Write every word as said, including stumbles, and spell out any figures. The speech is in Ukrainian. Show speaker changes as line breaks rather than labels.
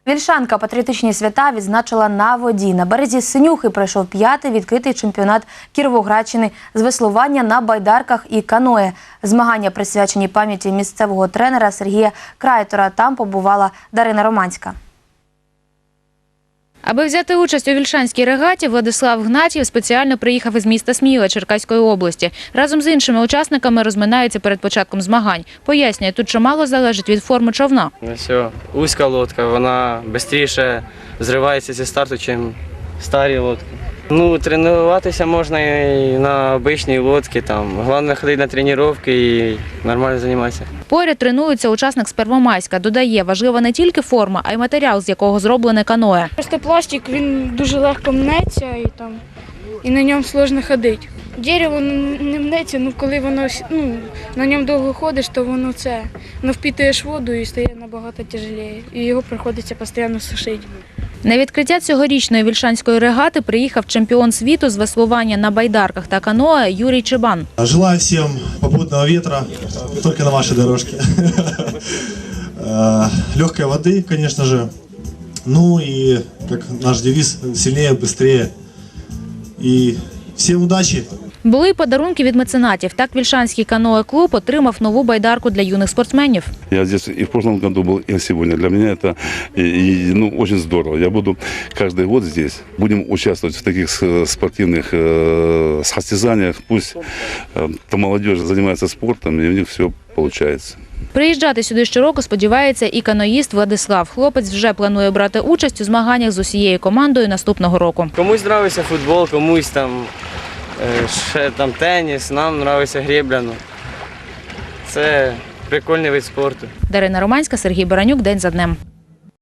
Вільшанка патріотичні свята відзначила на воді. На березі Синюхи пройшов п'ятий відкритий чемпіонат Кіровоградщини з веслування на байдарках і каное. Змагання присвячені пам'яті місцевого тренера Сергія Крайтора. Там побувала Дарина Романська.
Аби взяти участь у вільшанській регаті, Владислав Гнатів спеціально приїхав із міста Сміла Черкаської області. Разом з іншими учасниками розминаються перед початком змагань. Пояснює, тут чимало залежить від форми човна.
Все, вузька лодка, вона швидше зривається зі старту, ніж старі лодки. Ну, тренуватися можна і на звичайній лодці, там. Головне ходити на тренування і нормально займатися.
Поряд тренується учасник з Первомайська. Додає, важлива не тільки форма, а й матеріал, з якого зроблене каное.
Просто пластик, він дуже легко мнеться і, там, і на ньому складно ходити. Дерево не мнеться, ну коли воно, ну, на ньому довго ходиш, то воно це, воно впитуєш воду і стає набагато тяжеліше. І його приходиться постійно сушити.
На відкриття цьогорічної вільшанської регати приїхав чемпіон світу з веслування на байдарках та каное Юрій Чебан.
Желаю всім попутного вітра, тільки на вашій дорожці. Легкої води, звісно ж. Ну і, як наш девіз, сильніше, швидше. І всім удачі!
Були й подарунки від меценатів. Так Вільшанський каное-клуб отримав нову байдарку для юних спортсменів.
Я здесь и в прошлом году был, и сегодня. Для меня это и, и, ну, очень здорово. Я буду каждый год здесь. Будем участвовать в таких спортивных э, состязаниях. Пусть э, молодежь занимается спортом, и у них все получается.
Приїжджати сюди щороку сподівається і каноїст Владислав. Хлопець вже планує брати участь у змаганнях з усією командою наступного року.
Комусь подобається футбол, комусь там, ще там теніс, нам подобається гребля. Це прикольний вид спорту.
Дарина Романська, Сергій Баранюк. День за днем.